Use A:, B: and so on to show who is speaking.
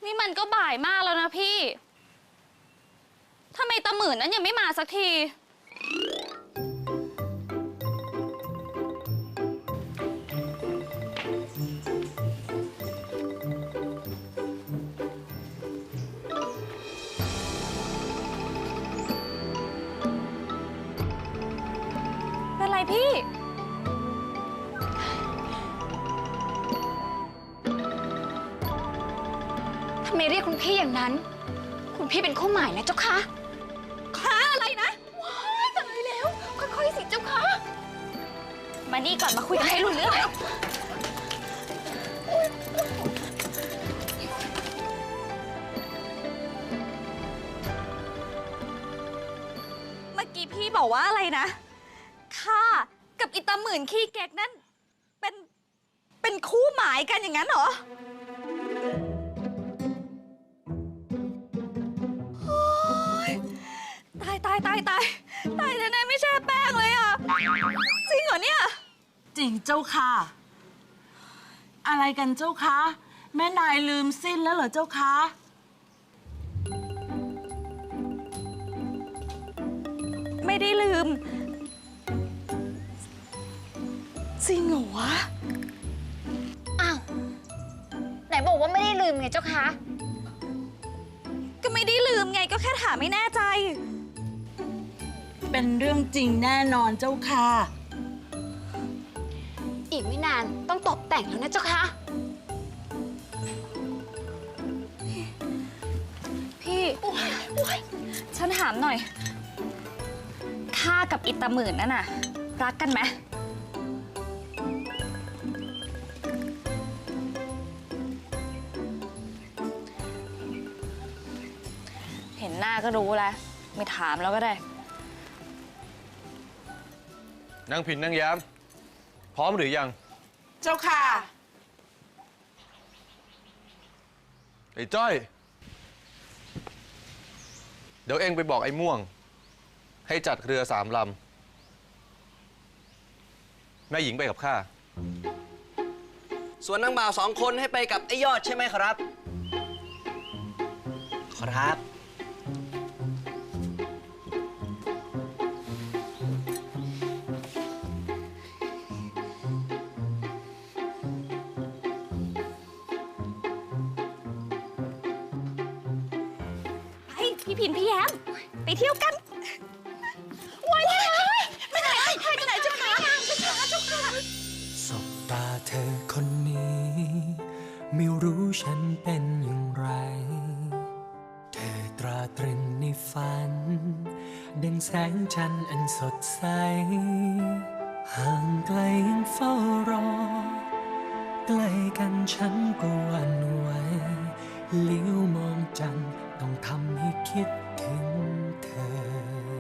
A: นี่มันก็บ่ายมากแล้วนะพี่ทำไมตาหมื่นนั้นยังไม่มาสักทีเป็นไรพี่
B: ทำไมเรียกคุณพี่อย่างนั้นคุณพี่เป็นคู่หมายนะเจ้าคะค้าอะไรนะว้ายตายแล้วค่อยๆสิเจ้าคะ
A: มานี่ก่อนมาคุยกันให้รู้เรื่องเมื่อกี้พี่บอกว่าอะไรนะข้ากับอิตาหมื่นขี้เก๊กนั่นเป็นคู่หมายกันอย่างนั้นเหรอตายแน่ๆไม่ใช่แป้งเลยอ่ะจริงเหรอเนี่ย
C: จริงเจ้าค่ะอะไรกันเจ้าคะแม่นายลืมสิ้นแล้วเหรอเจ้าคะ
A: ไม่ได้ลืมจริงเหรอวะ
B: อ้าวไหนบอกว่าไม่ได้ลืมไงเจ้าคะ
A: ก็ไม่ได้ลืมไงก็แค่ถามไม่แน่ใจ
C: เป็นเรื่องจริงแน่นอนเจ้าค่ะ
B: อีกไม่นานต้องตกแต่งแล้วนะเจ้าคะ
A: พี่ฉันถามหน่อยข้ากับอิตาหมื่นนั่นน่ะรักกันไหมเห็นหน้าก็รู้แล้วไม่ถามแล้วก็ได้
D: นางผินนางแย้มพร้อมหรือยัง
C: เจ้าค่ะ
D: ไอ้จ้อยเดี๋ยวเองไปบอกไอ้ม่วงให้จัดเรือ3 ลำแม่หญิงไปกับข้า
E: ส่วนนางบ่าว2 คนให้ไปกับไอ้ยอดใช่ไหมครับครับ
A: พี่พินพี่แย้มไปเที่ยวกันว้ายไม่ไหนไปไหนเจ้าค่ะเจ้าค่ะ
F: สบตาเธอคนนี้ไม่รู้ฉันเป็นอย่างไรเธอตราตรึงในฝันดังแสงจันทร์อันสดใสห่างไกลยังเฝ้ารอใกล้กันฉันก็หวั่นไหวเลี้ยวมองจันทร์ต้องทำให้คิดถึงเธอ